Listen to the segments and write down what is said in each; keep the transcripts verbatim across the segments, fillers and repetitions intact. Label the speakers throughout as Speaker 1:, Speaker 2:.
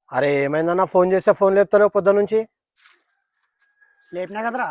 Speaker 1: అరే ఏమైందన్నా ఫోన్ చేస్తే ఫోన్ లేపుతలేవు పొద్దు నుంచి.
Speaker 2: లేపినా కదరా.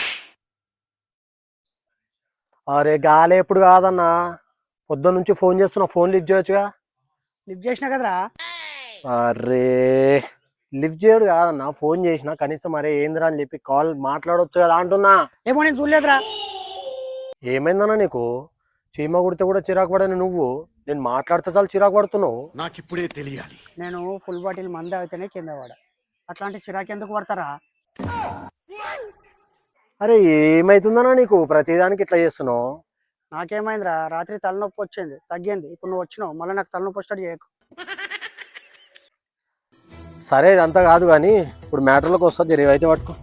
Speaker 1: అరే గాలి ఎప్పుడు కాదన్నా, పొద్దు నుంచి ఫోన్ చేస్తున్నా, ఫోన్ లిఫ్ట్ చేయొచ్చుగా.
Speaker 2: లిఫ్ట్ చేసినా కదరా.
Speaker 1: అరే లిఫ్ట్ చేయడు కాదన్నా, ఫోన్ చేసిన కనీసం అరే ఏందిరా అని చెప్పి కాల్ మాట్లాడొచ్చు కదా అంటున్నా.
Speaker 2: ఏమో నేను చూడలేదురా.
Speaker 1: ఏమైందన్నా నీకు? చీమ కుడితే కూడా చిరాకు పడని నువ్వు నేను మాట్లాడితే చాలు చిరాకు పడుతున్నావు.
Speaker 3: నాకిప్పుడే తెలియాలి.
Speaker 2: నేను ఫుల్ బాటిల్ మంది అయితేనే కింద పడ. అట్లాంటి చిరాకు ఎందుకు పడతారా?
Speaker 1: అరే ఏమైతుందన్నా నీకు ప్రతిదానికి ఇట్లా చేస్తున్నావు?
Speaker 2: నాకేమైందిరా, రాత్రి తలనొప్పి వచ్చింది, తగ్గింది. ఇప్పుడు నువ్వు వచ్చినావు, మళ్ళీ నాకు తలనొప్పి వచ్చాడు చేయకు.
Speaker 1: సరే ఇదంతా కాదు కానీ ఇప్పుడు మ్యాటర్లోకి వస్తా, జరిగి అయితే పట్టుకో.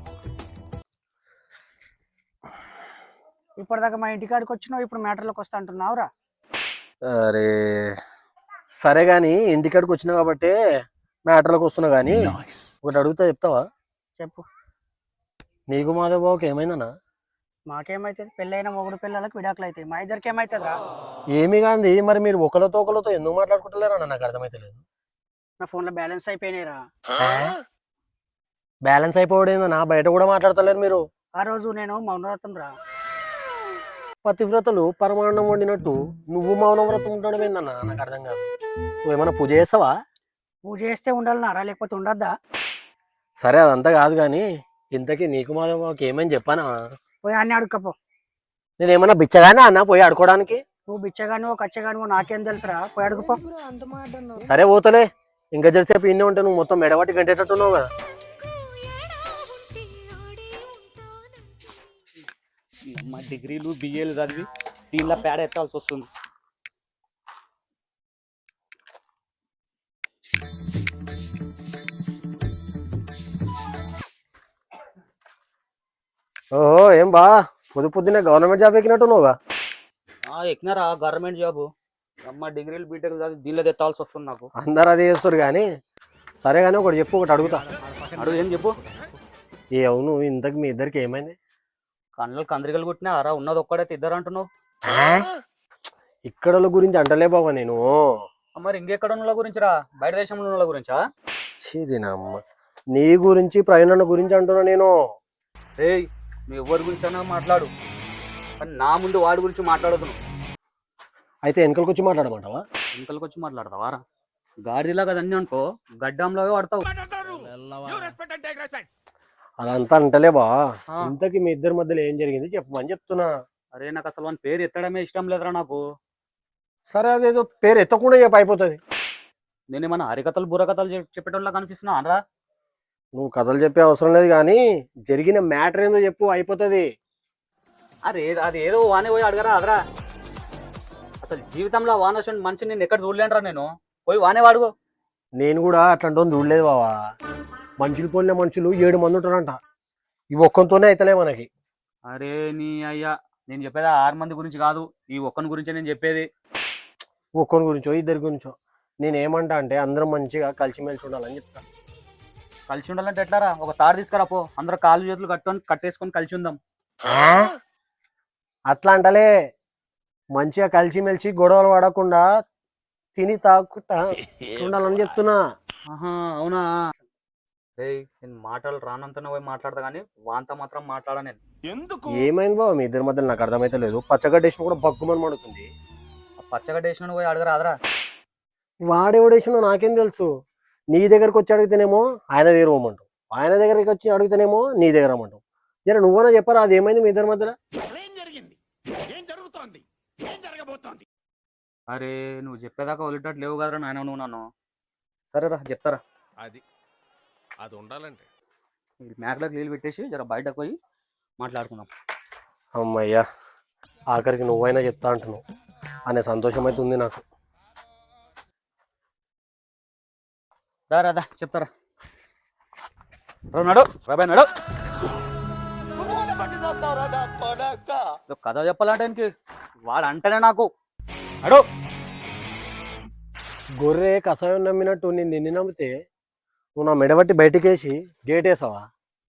Speaker 2: ఇప్పటిదాకా మా ఇంటికాడికి వచ్చినావు, ఇప్పుడు మ్యాటర్లోకి వస్తా అంటున్నావురా.
Speaker 1: అరే సరే కానీ ఇంటికాడికి వచ్చినావు కాబట్టి మ్యాటర్లోకి వస్తున్నా కానీ ఒకటి అడుగుతా, చెప్తావా?
Speaker 2: చెప్పు.
Speaker 1: నీకు మాధవ్ బాబుకి ఏమైందన్నా?
Speaker 2: మాకేమైతుంది, పెళ్ళైన మొగుడు పిల్లలకు విడాకులు అవుతాయి, మా ఇద్దరికి ఏమవుతుందిరా?
Speaker 1: ఏమి కాంది, మరి మీరు ఒకరితో ఒకరితో ఎందుకు మాట్లాడుకుంటలేరా? నాకు అర్థమైతే లేదు.
Speaker 2: నా ఫోన్లో బ్యాలెన్స్ అయిపోయినాయిరా.
Speaker 1: బ్యాలెన్స్ అయిపోవడేందన్నా, బయట కూడా మాట్లాడతలేరు మీరు.
Speaker 2: ఆ రోజు నేను మౌనవ్రతం రా.
Speaker 1: పతివ్రతలు పరమాన్నం వండినట్టు నువ్వు మౌనవ్రతం ఉండడం ఏందన్నా? నాకు అర్థం కాదు. నువ్వేమన్నా పూజ చేస్తావా?
Speaker 2: పూజ చేస్తే ఉండాలన్నారా, లేకపోతే ఉండద్దా?
Speaker 1: సరే అదంతా కాదు కానీ ఇంతకీ నీకు మాధవ్ బాబుకి ఏమని చెప్పానా?
Speaker 2: పోయి అన్ని అడుక్కపో.
Speaker 1: నేను ఏమన్నా బిచ్చగానే అన్నా పోయి ఆడుకోవడానికి?
Speaker 2: నువ్వు బిచ్చగానివో కచ్చగానివో నాకేం తెలుసురా, పోయి అడుగుపో.
Speaker 1: సరే పోతలే, ఇంకా జరిసేపు ఇన్నే ఉంటే నువ్వు మొత్తం మెడబట్టి గంటేటట్టున్నావు కదా.
Speaker 4: మా డిగ్రీలు బిఏలు చదివి దీనిలో పేడ ఎత్తాల్సి వస్తుంది.
Speaker 1: ఓహో ఏం బా పొద్దు పొద్దునే గవర్నమెంట్ జాబ్ ఎక్కినట్టున్నావుగా.
Speaker 4: ఎక్కినారా గవర్నమెంట్ జాబు? అమ్మ డిగ్రీలు బీటెక్ చదివి దీనిలో ఎత్తాల్సి వస్తుంది నాకు.
Speaker 1: అందరు అదే చేస్తారు కానీ సరే కానీ ఒకటి చెప్పు, ఒకటి అడుగుతా.
Speaker 4: అడుగు, ఏం చెప్పు.
Speaker 1: ఏ అవును, ఇంతకు మీ ఇద్దరికి ఏమైంది?
Speaker 4: కళ్ళు కందరికలు కొట్టినారా? ఉన్నది ఒక్కడైతే ఇద్దరు అంటున్నావు.
Speaker 1: ఇక్కడ గురించి అంటలే బాబా నేను.
Speaker 4: మరి ఇంకెక్కడ ఉన్న గురించి రా, బయట దేశంలో ఉన్న గురించా?
Speaker 1: చీదినమ్మ, నీ గురించి ప్రయాణ గురించి అంటున్నా నేను.
Speaker 4: రే మీ ఎవరి గురించి అన్నా మాట్లాడు, కానీ నా ముందు వాడి గురించి మాట్లాడదు.
Speaker 1: అయితే వెనకలకు వచ్చి మాట్లాడమంటావా?
Speaker 4: వెనకలకు వచ్చి మాట్లాడతావా రా? గాడిలా కదన్నీ అనుకో, గడ్డంలో పడతావు.
Speaker 1: అదంతా అంటలే బా, ఇంతకి మీ ఇద్దరి మధ్యలో ఏం జరిగింది చెప్పమని చెప్తున్నా.
Speaker 4: అరే నాకు అసలు వాని పేరు ఎత్తడమే ఇష్టం లేదురా నాకు.
Speaker 1: సరే అదేదో పేరు ఎత్తకుండా చెప్పు అయిపోతుంది.
Speaker 4: నేనేమన్నా హరికథలు బుర్రకథలు చెప్పేటోళ్ళ కనిపిస్తున్నా అనరా?
Speaker 1: నువ్వు కథలు చెప్పే అవసరం లేదు కానీ జరిగిన మ్యాటర్ ఏందో చెప్పు అయిపోతుంది.
Speaker 4: అరే అది ఏదో వానే పోయి అడగరా అదరా. అసలు జీవితంలో వాన వచ్చిన మనిషిని నేను ఎక్కడ చూడలేనురా, నేను పోయి వానే వాడుకో.
Speaker 1: నేను కూడా అట్లాంటి చూడలేదు బావా. మనుషులు పోలిన మనుషులు ఏడు మంది ఉంటారంట, ఇవి ఒక్కంతోనే అయితలే మనకి.
Speaker 4: అరే నీ అయ్యా, నేను చెప్పేది ఆరు మంది గురించి కాదు, ఈ ఒక్కని గురించే నేను చెప్పేది.
Speaker 1: ఒక్కని గురించో ఇద్దరి గురించో. నేను ఏమంటా అంటే అందరం మంచిగా కలిసిమెలిసి ఉండాలని చెప్తా.
Speaker 4: కలిసి ఉండాలంటే ఎట్లారా? ఒక తాడు తీసుకురా పో, అందరూ కాళ్ళు చేతులు కట్టుకొని కట్టేసుకొని కలిసి ఉందాం.
Speaker 1: అట్లా అంటలే, మంచిగా కలిసిమెలిసి గొడవలు పడకుండా తిని తాగుకుంటా ఉండాలని చెప్తున్నా.
Speaker 4: ఆహా అవునా? రే నేను మాటలు రానంతనే పోయి మాట్లాడతా కానీ వాంత మాత్రం మాట్లాడా నేను.
Speaker 3: ఎందుకు?
Speaker 1: ఏమైంది బాబు మీ ఇద్దరి మధ్యలో నాకు అర్థమైతే లేదు. పచ్చగడ్డేసిన కూడా బగ్గుమని మడుతుంది.
Speaker 4: పచ్చగడ్డేసిన పోయి అడగరా అదరా.
Speaker 1: వాడెవడేసినో నాకేం తెలుసు. నీ దగ్గరకు వచ్చి అడిగితేనేమో ఆయన దగ్గర పోమంటావు, ఆయన దగ్గరికి వచ్చి అడిగితేనేమో నీ దగ్గర రమ్మంటావు. జర నువ్వన్నా చెప్పరా అది ఏమైంది మీ ఇద్దరి మధ్యలో?
Speaker 4: అరే నువ్వు చెప్పేదాకా వదిలేటట్టు లేవు కదరా నాయన నువ్వు నన్ను. సరేరా చెప్తారా.
Speaker 3: అది అది ఉండాలంటే
Speaker 4: మేకలకు నీళ్ళు పెట్టేసి జర బయటకు పోయి మాట్లాడుకుందాం.
Speaker 1: అమ్మయ్యా, ఆఖరికి నువ్వైనా చెప్తా అంటున్నావు అనే సంతోషం అయితే ఉంది నాకు.
Speaker 4: దారా దా చెప్తారా. నడు రాబాయ్ నడు. కథ చెప్పాలంటే వాడు అంటేనే నాకు నడు.
Speaker 1: గొర్రె కషాయం నమ్మినట్టు నేను నిన్ను నమ్మితే నువ్వు నా మెడబట్టి బయటికేసి గేట్ వేసావా?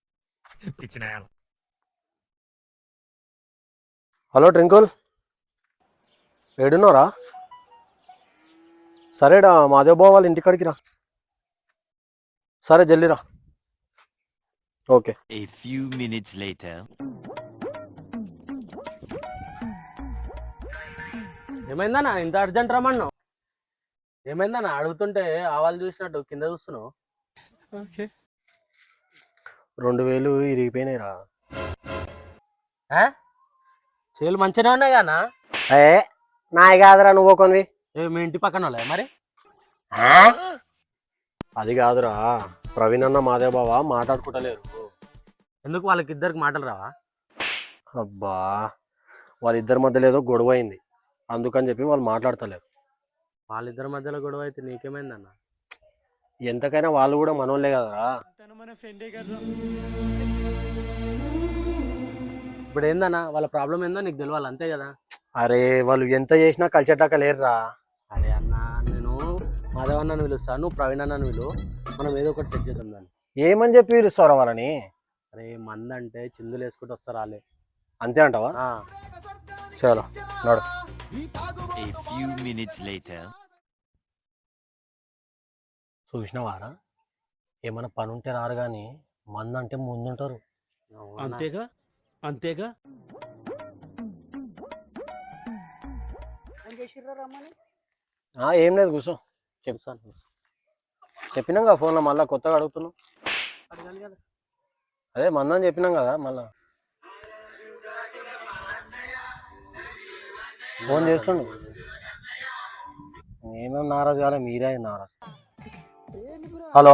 Speaker 1: హలో ట్రింకుల్, ఏడున్నారా? సరేడా మాదేవ్ బావ వాళ్ళ ఇంటికాడికి రా. సరే జల్లిరా. Okay.
Speaker 5: A few minutes later.
Speaker 6: ఏమైందన్నా ఇంత అర్జెంట్ రమ్మన్నావు? ఏమైందన్నా అడుగుతుంటే ఆవాలు చూసినట్టు కింద చూస్తున్నావు?
Speaker 1: రెండు వేలు ఇరిగిపోయినాయిరా.
Speaker 6: ఆ? చేలు మంచిగా ఉన్నాయి కానా?
Speaker 1: ఏ నాయ కాదురా, నువ్వు కొనివి.
Speaker 6: ఏ మీ ఇంటి పక్కన వాళ్ళే మరి?
Speaker 1: అది కాదురా, ప్రవీణ్ అన్న మాదేవ్ బావ మాట్లాడుకుంటలేరు.
Speaker 6: ఎందుకు వాళ్ళకి ఇద్దరికి మాటలు రావా?
Speaker 1: అబ్బా, వాళ్ళిద్దరి మధ్యలో ఏదో గొడవ అయింది, అందుకని చెప్పి వాళ్ళు మాట్లాడతలేరు.
Speaker 6: వాళ్ళిద్దరి మధ్యలో గొడవ అయితే నీకేమైందన్న?
Speaker 1: ఎంతకైనా వాళ్ళు కూడా మనోళ్ళే కదరా.
Speaker 6: ఇప్పుడు ఏందన్నా వాళ్ళ ప్రాబ్లం ఏందో నీకు తెలియాలి అంతే కదా.
Speaker 1: అరే వాళ్ళు ఎంత చేసినా కలిసేటాక లేరురా.
Speaker 6: అరే అన్న, నేను మాధవ్ అన్నను పిలుస్తాను, నువ్వు ప్రవీణ్ అన్నను పిలు, మనం ఏదో ఒకటి సెట్ చేద్దాం దాన్ని.
Speaker 1: ఏమని చెప్పి పిలుస్తారా వాళ్ళని?
Speaker 6: అరే మంద అంటే చిందులు వేసుకుంటూ వస్తారు వాళ్ళే.
Speaker 1: అంతే అంటావా?
Speaker 6: ఆ.
Speaker 1: చలో నడు.
Speaker 5: A few minutes later.
Speaker 1: చూసినవారా, ఏమైనా పని ఉంటే రారు కానీ మంద అంటే ముందుంటారు.
Speaker 6: అవునా?
Speaker 3: అంతేగా అంతేగా
Speaker 2: ఏం చేసిర్రా రమ్మని?
Speaker 1: ఆ, ఏం లేదు, కూర్చో.
Speaker 6: చెప్తాను కూర్చో.
Speaker 1: చెప్పినాం కదా ఫోన్లో, మళ్ళీ కొత్తగా అడుగుతున్నాం.
Speaker 2: అడగాలి కదా.
Speaker 1: అదే మందని చెప్పినాం కదా, మళ్ళా ఫోన్ చేస్తుండు. నేనేం నారాజు కాలే, మీరే నారాజు. హలో,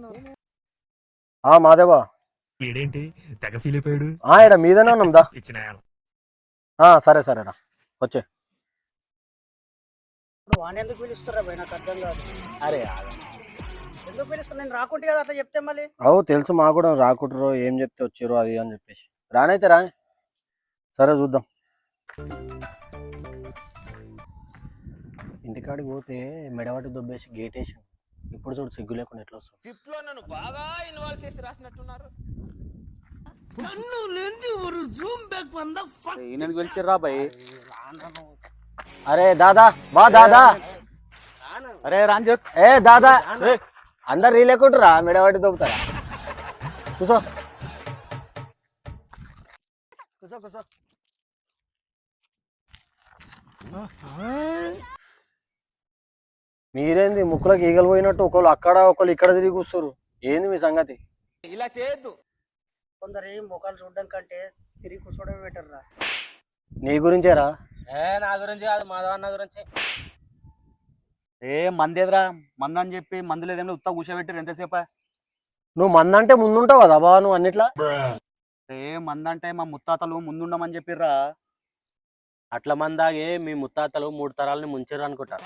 Speaker 1: ఆ మాదేవా,
Speaker 7: వీడేంటి తెగ ఫీల్ అయిపోయాడు.
Speaker 1: ఆ ఇడ మీదనే ఉన్నాం దా. ఆ, సరే సరేనా, వచ్చే.
Speaker 2: ఇప్పుడు వాడిని ఎందుకు పిలుస్తారా భయ్, నాకు అర్థం కాదు.
Speaker 6: అరే
Speaker 2: ఎందుకు పిలుస్తారు? నేను రాకుంటే కదా అట్లా చెప్తే మళ్ళీ.
Speaker 1: అవు తెలుసు, మా కూడా రాకుంటారు, ఏం చెప్తే వచ్చారు అది అని చెప్పేసి. రానైతే రాని, సరే చూద్దాం. ఇంటికాడికి పోతే మెడవాటి దొబ్బేసి గేట్ వేసి, ఇప్పుడు చూడు సిగ్గు లేకుండా ఎట్లా వస్తుంది.
Speaker 8: స్క్రిప్ట్ లో నన్ను బాగా ఇన్వాల్వ్ చేసి రాసినట్టున్నారు.
Speaker 4: ఈయనకి పిలిచిర్రా భయ్.
Speaker 1: అరే దాదా, వా దాదా.
Speaker 4: అరే రాని చెప్పు.
Speaker 1: ఏ దాదా, అందరు రీలేకుంటారా, మెడవాటి దొబ్బుతారా? కూసో.
Speaker 2: కూర్చో కూర్చో.
Speaker 1: మీరేంది ముక్కులకు ఈగలు పోయినట్టు ఒకళ్ళు అక్కడ ఒకళ్ళు ఇక్కడ తిరిగి కూర్చోరు, ఏంది మీ సంగతి?
Speaker 8: ఇలా చేయొద్దు.
Speaker 2: కొందరు ముఖాలు చూడడం కంటే తిరిగి కూర్చోవడమే బెటర్ రా.
Speaker 1: నీ గురించేరా?
Speaker 6: ఏ నా గురించి కాదు, మాధవ్ అన్న గురించి.
Speaker 4: ఏ మంది ఎదురా మందు అని చెప్పి మందు లేదేమో ఉత్తా కూర్చోబెట్టారు ఎంతసేపా?
Speaker 1: నువ్వు మందంటే ముందుంటావు కదా బాబా, నువ్వు అన్నిట్లా.
Speaker 4: ఏ మంది అంటే మా ముత్తాతలు ముందుండమని చెప్పిర్రా.
Speaker 6: అట్ల మందాగే మీ ముత్తాతలు మూడు తరాలని ముంచారు అనుకుంటా.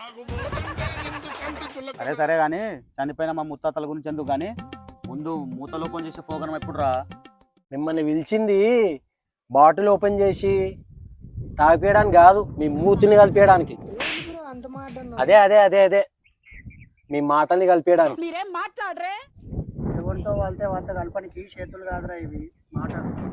Speaker 4: సరే సరే కానీ చనిపోయిన మా ముత్తాతల గురించి ఎందుకు కానీ ముందు మూతలు ఓపెన్ చేసే ప్రోగ్రామ్ ఎప్పుడు రా?
Speaker 1: మిమ్మల్ని పిలిచింది బాటిల్ ఓపెన్ చేసి తాగిపేయడానికి కాదు, మీ మూతిని కలిపేయడానికి. అదే అదే అదే అదే మీ మాటల్ని కలిపేయడానికి.
Speaker 9: మీరేం మాట్లాడరే?
Speaker 2: ఎవరితో వాళ్ళతో వాళ్ళతో కలపనికి చేతులు కాదురా ఇవి, మాట.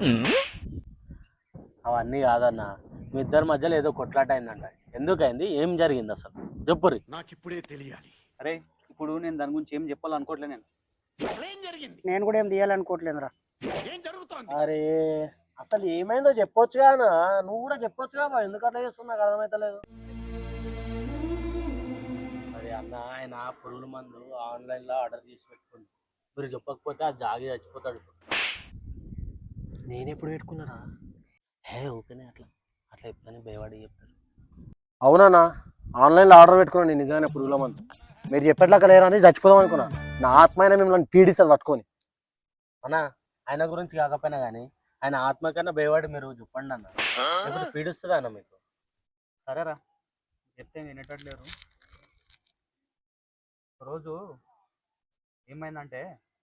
Speaker 6: అవన్నీ కాదన్న, మీ ఇద్దరి మధ్యలో ఏదో కొట్లాట అయిందంట. ఎందుకైంది, ఏం జరిగింది అసలు చెప్పుర్రి.
Speaker 3: నాకిప్పుడే తెలియాలి.
Speaker 4: అరే ఇప్పుడు నేను దాని గురించి ఏం చెప్పాలనుకోవట్లే. నేను
Speaker 3: ఏం జరిగింది?
Speaker 2: నేను కూడా ఏం తీయాలనుకోవట్లేదురా.
Speaker 3: ఏం జరుగుతోంది?
Speaker 1: అరే అసలు ఏమైందో చెప్పొచ్చు కానా, నువ్వు కూడా చెప్పొచ్చు కదా, ఎందుకు అట్లా చేస్తున్నా నాకు అర్థమైతలేదు.
Speaker 6: అరే అన్న, ఆయన పురుగుల మందు ఆన్లైన్ లో ఆర్డర్ చేసి పెట్టుకుంది, మీరు చెప్పకపోతే ఆ జాగి చచ్చిపోతాడు.
Speaker 1: నేనెప్పుడు పెట్టుకున్నారా?
Speaker 6: హే ఓకేనే, అట్లా అట్లా చెప్తానే భయపడి చెప్తారు.
Speaker 1: అవునా, ఆన్లైన్లో ఆర్డర్ పెట్టుకున్నాను నేను నిజంగానే పురుగుల మందు. మీరు చెప్పేట్లాక లేరా అని చచ్చిపోదాం అనుకున్నా. నా ఆత్మైన మిమ్మల్ని పీడిస్తుంది పట్టుకొని.
Speaker 6: అన్న ఆయన గురించి కాకపోయినా కానీ ఆయన ఆత్మ కన్నా భయపడి మీరు చెప్పండి అన్న, ఇప్పుడు పీడిస్తుంది అన్న మీకు.
Speaker 4: సరేరా చెప్తే వినేటట్లేరు. రోజు ఏమైందంటే